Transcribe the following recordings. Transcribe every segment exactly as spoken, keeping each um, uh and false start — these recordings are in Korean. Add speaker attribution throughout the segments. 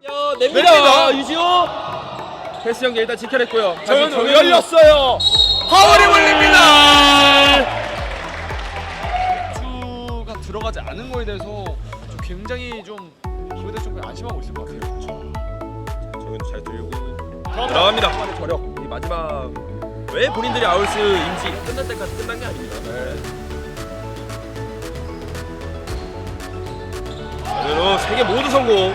Speaker 1: 냅니다. 유지호 패스 연계 일단 지켜냈고요.
Speaker 2: 정현우 열렸어요. 파울이 걸립니다. 주가 들어가지 않은 거에 대해서 좀 굉장히 좀 기분에 좀 안심하고 있을 것 같아요.
Speaker 1: 정현우 잘 들고 들어갑니다. 저력 이 마지막 왜 본인들이 아울스인지 끝날 때까지 끝난 게 아닙니다. 네. 정현우 세 개 모두 성공.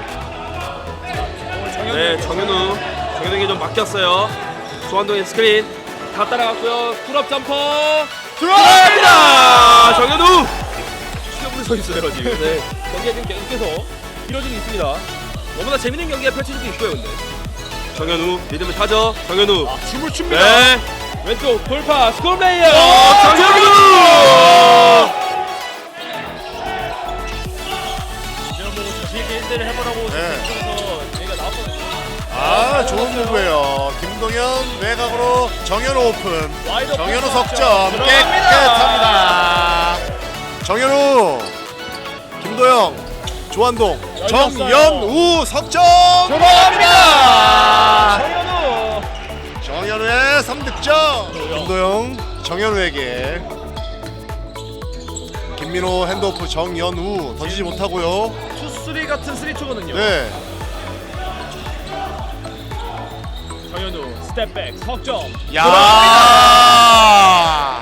Speaker 1: 네, 정현우 정현우에게 좀 맡겼어요. 조한동의 스크린 다 따라갔고요. 풀업 점퍼 들어갑니다. 정현우 시험으로 서 있어요 지금. 네, 경기가 지금 계속해서 길어지고 있습니다. 너무나 재밌는 경기가 펼쳐지고 있고요. 근데 정현우 리듬을 타죠. 정현우
Speaker 2: 아, 춤을 춥니다.
Speaker 1: 네, 왼쪽 돌파 스콜 레이어
Speaker 2: 정현우!
Speaker 1: 자신있게 일 대를 해보라고
Speaker 3: 네.
Speaker 1: 생각해서 저희가 나왔거든요.
Speaker 3: 아, 좋은 무브예요. 김동현 외곽으로 정현우 오픈. 정현우 석점 깨끗합니다. 정현우, 김도영, 조한동, 정연우 석점 들어갑니다.
Speaker 1: 정현우
Speaker 3: 정현우의 삼 득점. 김도영, 정현우에게 김민호 핸드오프 정연우 던지지 못하고요.
Speaker 1: 투쓰리 같은 쓰리투거든요.
Speaker 3: 네.
Speaker 1: 정현우 스텝백 석점
Speaker 3: 야.